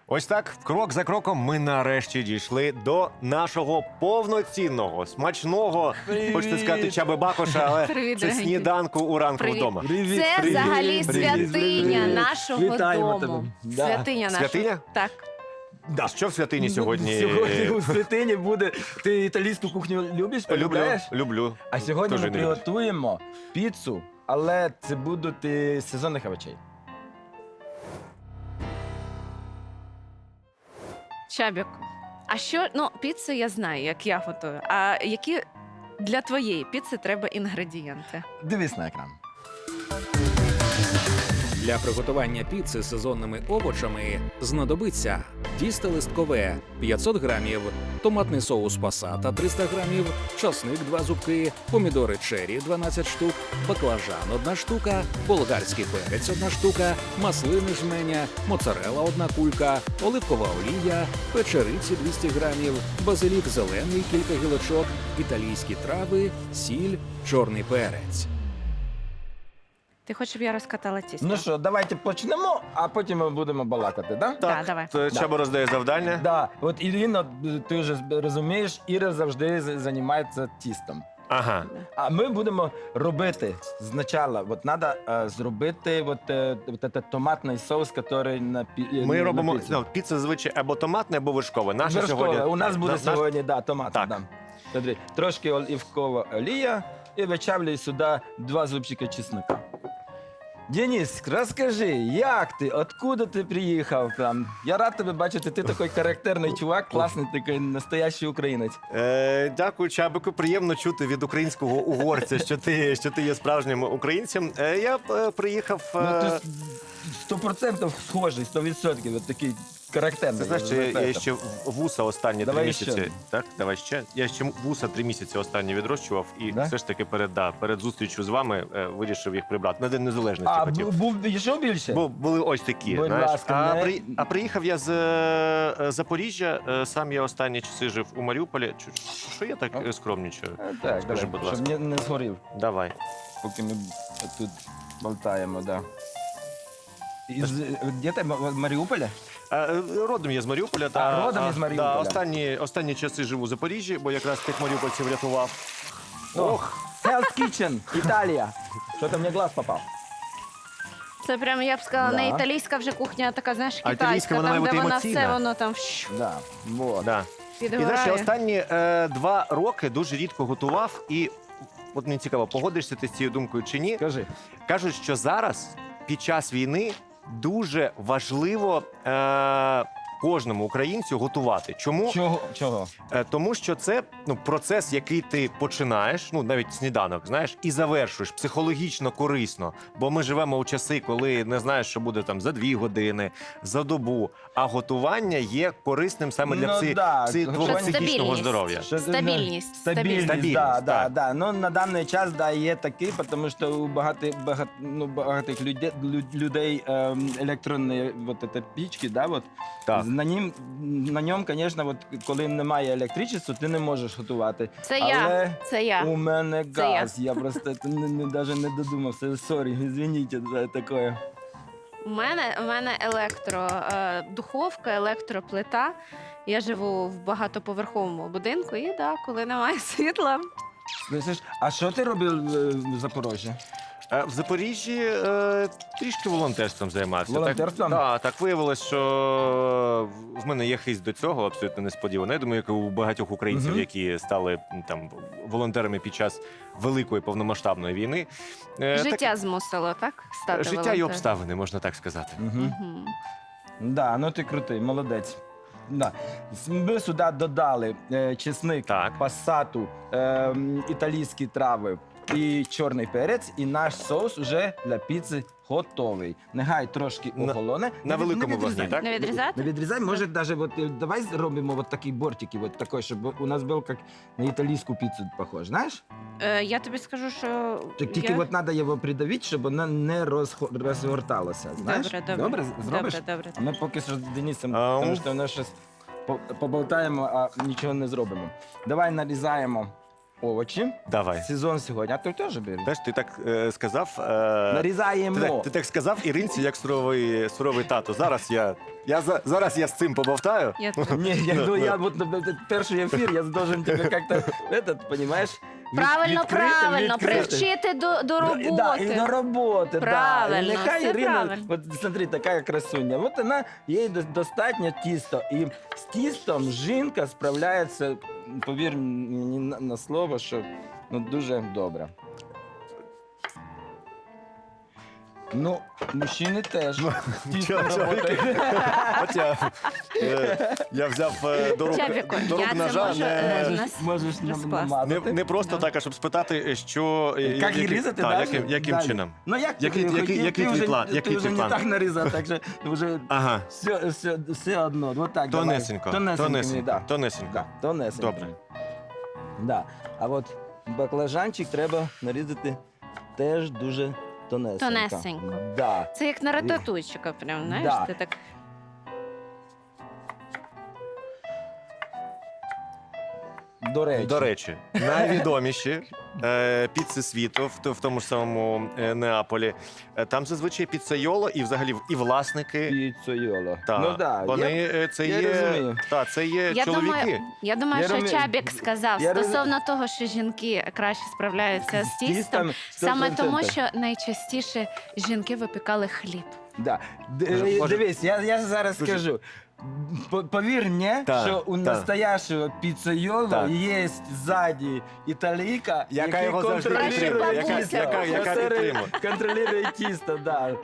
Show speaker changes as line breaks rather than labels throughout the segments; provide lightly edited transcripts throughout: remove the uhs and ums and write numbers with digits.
Ось так, крок за кроком, ми нарешті дійшли до нашого повноцінного, смачного,
Привіт!
хочете сказати, Чаби Бакоша, але
Привіт,
це
дорогенький.
сніданку у ранку
Привіт.
вдома.
Привіт,
Це
привіт,
взагалі
привіт,
святиня
привіт.
нашого
Вітаємо
дому.
тебе. Да.
Святиня нашого.
Святиня?
Так.
А що в святині сьогодні?
Сьогодні у святині буде. Ти італійську кухню любиш?
Люблю,
полюбляєш?
люблю.
А сьогодні
Хто
ми
ж не любить?
приготуємо піцу, але це будуть сезонних овочей.
Чабік, а що, ну, піцу я знаю, як я готую. А які для твоєї піци треба інгредієнти?
Дивись на екран.
Для приготування піци з сезонними овочами знадобиться тісто листкове 500 грамів, томатний соус пасата 300 грамів, часник 2 зубки, помідори чері 12 штук, баклажан 1 штука, болгарський перець 1 штука, маслини жменя, моцарелла 1 кулька, оливкова олія, печериці 200 грамів, базилік зелений кілька гілочок, італійські трави, сіль, чорний перець.
Ти хочеш, щоб я розкатала тісто?
Ну що, давайте почнемо, а потім ми будемо балакати, да?
Да, давай.
То Чаба роздає завдання.
Да. От Ірина, ти вже розумієш, Іра завжди займається тістом.
Ага.
А ми будемо робити спочатку, от треба зробити томатний соус, який на
Ми
на
робимо
піцу.
ну, піца зазвичай або томатне, або вершкове. Наша
Вершкове.
сьогодні
У нас буде
наш-
сьогодні томатна.
Так.
Да. Смотри, трошки оливкова олія і вичавлюй сюди 2 зубчика чеснока. Денис, розкажи, як ти, откуда ти приїхав? Там? Я рад тебе бачити, ти такий характерний чувак, класний такий настоящий українець.
Дякую, Чабику. Приємно чути від українського угорця, що ти є справжнім українцем. Я приїхав.
Ну, ти 100% схожий, 100%, от такий характерний.
Ти знаєш, що я ще вуса останні 3
Давай
місяці.
ще.
Так, давай ще. Я ще вуса 3 місяці останні відрощував, і
Да?
все ж таки перед зустрічю з вами вирішив їх прибрати. На День Незалежності
А,
хотів.
був ще більше?
Бо були ось такі.
Будь
Знаєш.
ласка, не-
А приїхав я з Запоріжжя. Сам я останні часи жив у Маріуполі. Що я так скромнічаю?
Так,
Скажи,
давай,
будь ласка.
щоб не згорів,
Давай.
поки ми тут болтаємо, да. Де ти, в Маріуполі?
Родом я з Маріуполя.
родом із Маріуполя.
Останні часи живу у Запоріжжі, бо якраз тих маріупольців рятував.
Ох, Hell's Kitchen, Італія. Що там мені глаз попав?
Це прямо, я б сказала,
Да.
не італійська вже кухня, а така, знаєш,
А
китайська,
італійська, вона
там,
має
де
бути
вона
емоційна.
все, воно там
Да, вот.
Да. І знаєш, я
підгорає.
останні 2 роки дуже рідко готував, і от мені цікаво, погодишся ти з цією думкою чи ні?
Скажи.
Кажуть, що зараз, під час війни, дуже важливо кожному українцю готувати. Чому?
Чого?
Тому що це процес, який ти починаєш, навіть сніданок, знаєш, і завершуєш психологічно корисно. Бо ми живемо у часи, коли не знаєш, що буде там за 2 години, за добу. А готування є корисним саме для
Ну, да,
твого
що
психічного
стабільність.
здоров'я.
Стабільність.
Стабільність, да, да,
так.
да. Ну, на даний час, да, є такий, тому що у багатих людей електронні вот это пічки, да, вот,
Так.
на ньому, звісно, от, коли немає електричества, ти не можеш готувати.
Це
Але
я, це я.
у мене
Це я.
газ, я просто навіть не додумався. Сорі, извините за таке.
У мене духовка, електроплита. Я живу в багатоповерховому будинку, і да, коли немає світла.
Слышиш, а що ти робив в Запоріжжі?
В Запоріжжі трішки волонтерством займався.
Волонтерством?
Так виявилось, що в мене є хист до цього, абсолютно несподівано. Я думаю, як і у багатьох українців,
Мгм.
які стали там волонтерами під час великої повномасштабної війни.
Життя змусило, так? Стати
Життя і
волонтером?
обставини, можна так сказати.
Угу.
Мгм.
Да, ну ти крутий, молодець. Да. Ми сюди додали чесник,
Так.
пасату, італійські трави і чорний перець, і наш соус вже для піци готовий. Нехай трошки охолоне.
На
Не
великому
відрізай.
вогні, так?
Не відрізати?
Не відрізай, може навіть давай зробимо вот такі бортики, вот такой, щоб у нас був як на італійську піцу похож, знаєш?
Я тобі скажу, що
Так тільки
я...
от треба його придавити, щоб вона не розгорталася, знаєш?
Добре.
Зробиш?
Добре.
А ми поки що з Денисом,
Ау.
тому що ми щось поболтаємо, а нічого не зробимо. Давай нарізаємо овочі.
Давай.
Сезон сьогодні, а ти теж бери.
Знаєш, ти так сказав.
Нарізаємо.
Ти так сказав Іринці, як суровий тато. Зараз я з цим побовтаю.
Я
Ні, я вот перший ефір, я должен тебе як-то, понимаєш?
Правильно, правильно, привчити до роботи.
Да, і до роботи,
Правильно,
да. І нехай
все
Ірина,
правильно.
от смотри, така красуня, от вона, їй достатньо тісто. І з тістом жінка справляється, повір мені на слово, що дуже добре. Ну, мужчини теж. з тістом
чоловіки.
працюють.
От я взяв до рук
Чабіку, я це
ножа.
можу,
Можеш намазати.
Не просто так, а щоб спитати, що
Як її різати,
яким
далі.
чином.
Ну як ти
Який
хотів,
твій
ти
план?
вже,
Який
ти вже
твій
не
план?
так нарізав, так що вже
Ага,
все одно. Вот так, давай.
тонесенько,
Да.
тонесенько.
Да, тонесенько.
Добре.
Да. А от баклажанчик треба нарізати теж дуже тонесенько.
Тонесенько.
Да.
Це як на рататуйчика, прям, знаєш,
Да.
ти так.
До речі.
Найвідоміші піци світу в тому ж самому Неаполі. Там зазвичай піцайоло і взагалі і власники.
Піцойоло.
Та,
Ну да.
вони це
я
є,
розумію.
це є
Я
чоловіки.
думаю,
Я
що
розумію.
Чабік сказав
Я роз-
стосовно того, що жінки краще справляються з тістом, саме
100%.
тому, що найчастіше жінки випікали хліб.
Да.
Може-
Дивись, я зараз
Дуже-
скажу. Повір мені,
Так,
що у
так.
настоящего піцайоло
Так.
є ззаді італійка,
Яка
який
його завжди
контролює
підтримує, яка-
тісто.
яка підтримує.
Контролює тісто, да.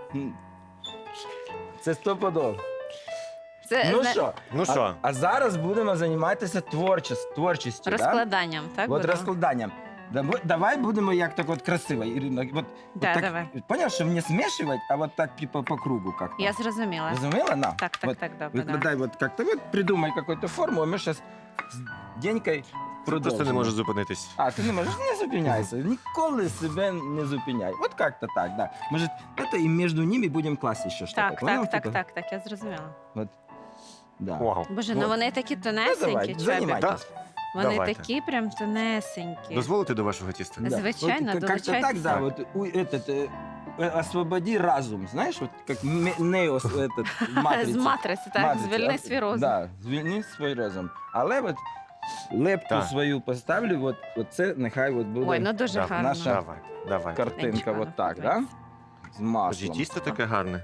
Це стопудово.
Це
Ну
зна-
що?
Ну що?
А зараз будемо займатися творчістю.
розкладанням, так?
От
будемо?
розкладанням. Давай будемо як так от красиво, Ірина.
Да,
так,
давай.
Поняв, що не змішувати, а от так по кругу как-то.
Я зрозуміла.
Разумела? На.
Так,
вот,
добре. Да.
Выкладай вот как-то, вот придумай какую-то форму, а мы сейчас с Денькой продовжимо.
Просто не можу зупинитись.
А, ти не можеш? Не зупиняйся. Ніколи себе не зупиняй. От как-то так, да. Може, это і між ними будемо класти ще щось.
Так, я зрозуміла.
Да.
Вау.
Боже,
Вот.
ну вони такі
Ну,
тонесенькі,
давай,
Чабік.
займайтесь.
Вони
Давайте.
такі прям тонесенькі.
Дозволите до вашого тіста?
Да. Звичайно,
вот, как-то так,
долучайтесь.
да, вот освободи разум, знаєш, от як Нео этот, матриці.
З матриці, так,
Матриці,
звільни
а,
свій розум.
Да, звільни свій розум. Але от лепту
Так.
свою поставлю, от це нехай от буде
Ой, ну дуже
Да,
гарно.
наша-
Давай.
картинка,
Нічого,
от так, да?
подобається.
З
Боже,
маслом.
тісто таке гарне.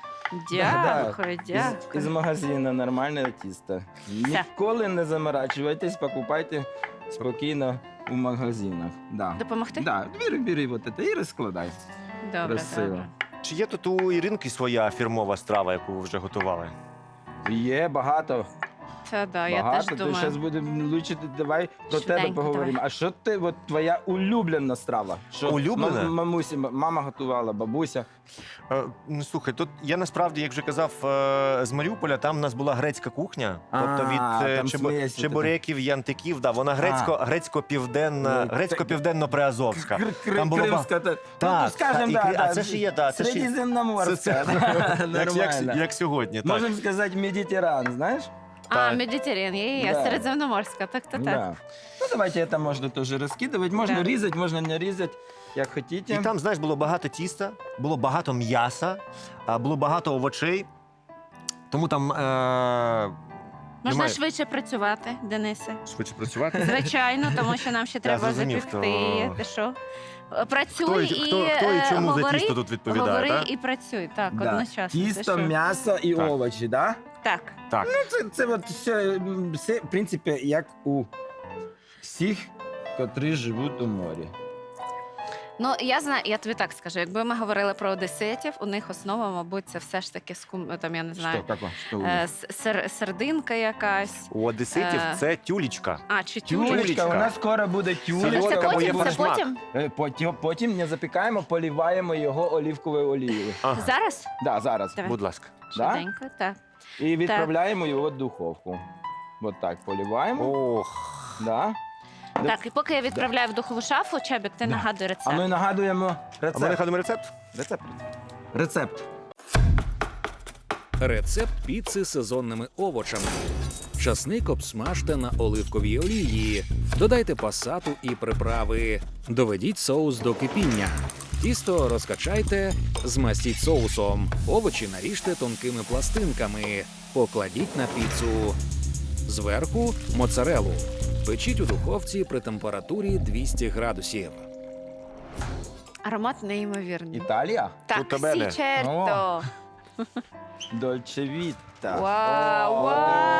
Дякую,
Із
дякую.
магазину нормальне тісто. Ніколи не заморачуйтесь, покупайте спокійно у магазинах. Да.
Допомогти?
Да, бери вот это і розкладай.
Добре,
Красиво.
добре.
Чи є тут у Іринки своя фірмова страва, яку ви вже готували?
Є багато.
Це да, я
Багато.
теж
Ти зараз
думаю.
будемо лучше, давай про тебе
Швиденько,
поговоримо.
давай.
А що ти, от твоя улюблена страва? Що
Улюблена?
Мамусі, мама готувала, бабуся.
Ну слухай, тут я насправді, як вже казав, з Маріуполя, там у нас була грецька кухня, тобто від
там смесь
чебуреків, янтиків, да, вона грецько-південна,
Ну,
грецько-південно-приазовська. Там було
Кримська,
Так,
ну, скажем,
так,
да,
а це ж є, да, це ж є.
Середземноморська.
Це-
Нормально.
як сьогодні, так.
Можемо сказати Медитеран, знаєш?
А,
Так.
Медитеран, є,
Да.
середземноморська, так.
Да. Ну, давайте это можно тоже раскидывать. Можно
Да.
різати, можна не різати, як хотіте.
І там, знаєш, було багато тіста, було багато м'яса, було багато овочей. Тому там
Можна
немає-
швидше працювати, Денисе.
швидше працювати.
Звичайно, тому що нам ще треба
зрозумів,
запекти.
хто-
Ти що? Працюй
Хто,
і
хто і чому
говори,
за тісто тут відповідає,
говори
так?
і працюй. Так,
Да.
одночасно. Ти
Тісто,
що?
м'ясо і
Так.
овочі, да?
Так.
Так.
Це от все, в принципі, як у всіх, котрі живуть у морі.
Ну, я знаю, я тобі так скажу, якби ми говорили про одеситів, у них основа, мабуть, це все ж таки там, я не знаю,
Що у них?
сердинка якась.
У одеситів це тюлічка.
А, чи тюлечка.
Тюлечка, у нас скоро буде
Це
тюлечка.
Солодка, бо є
потім, це
пересмак.
потім?
Потім не запікаємо, поліваємо його олівковою олією.
Ага.
Зараз?
Да, зараз.
Давай.
Будь ласка.
Да?
Швиденько, так.
І відправляємо його в духовку. От так, поліваємо.
Ох.
Да.
Так, і поки я відправляю в духову шафу, Чабік, ти
Да.
нагадуй
А
рецепт.
ми нагадуємо
А ми
рецепт.
нагадуємо рецепт?
Рецепт.
Рецепт піци з сезонними овочами. Часник обсмажте на оливковій олії. Додайте пасату і приправи. Доведіть соус до кипіння. Тісто розкачайте, змастіть соусом. Овочі наріжте тонкими пластинками. Покладіть на піцу. Зверху моцарелу. Печіть у духовці при температурі 200 градусів.
Аромат неймовірний.
Італія?
Так,
Tutto bene.
сі черто.
Дольче Віта.
Вау,
О,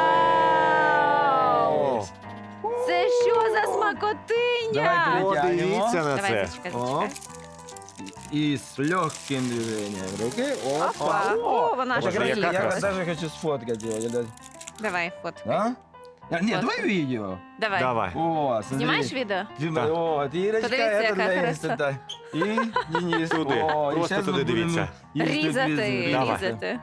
вау!
дивись.
Це що за смакотиня?
Давай
О,
Тягнемо.
дивіться на
Давай,
це.
зачекай,
О.
зачекай.
І з легким движенням руки.
Опа. О, вона
Боже,
ж
яка
приїхала.
Я
краса.
даже хочу сфоткать его.
Давай, фото.
А? Нет,
Вот.
давай видео.
Давай.
Давай.
О, смотри.
Знімаєш відео?
Дима,
Так.
о, Ирочка,
Подивіться,
это
яка
для
краса.
Инстата. И Денис.
Туди.
О, і
Просто
щас ми
туди
будемо
дивіться.
їсти
Різати,
піцу.
Давай.
різати.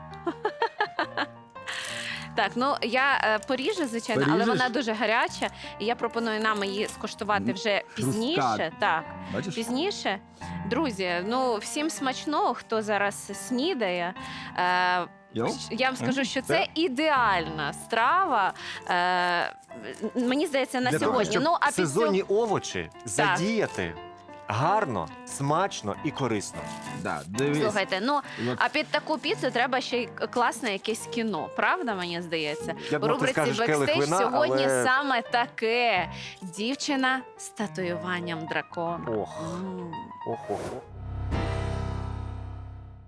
Так, ну я поріжу, звичайно, але
Поріжеш?
вона дуже гаряча, і я пропоную нам її скуштувати вже пізніше.
Хрустка.
Так,
Бачиш?
пізніше. Друзі, ну всім смачного, хто зараз снідає.
Йоу?
Я вам скажу, що це ідеальна страва. Мені здається, на
Для того,
сьогодні.
щоб
Ну, а під
сезонні овочі задіяти гарно, смачно і корисно.
Да, дивись.
Слухайте, ну
От
а під таку піцу треба ще й класне якесь кіно, правда, мені здається?
Я
У
думав, ти
рубриці
скажеш келих
«Бекстейдж»
вина,
сьогодні
але...
саме таке. Дівчина з татуюванням дракона.
Ох,
М.
ох, ох, ох.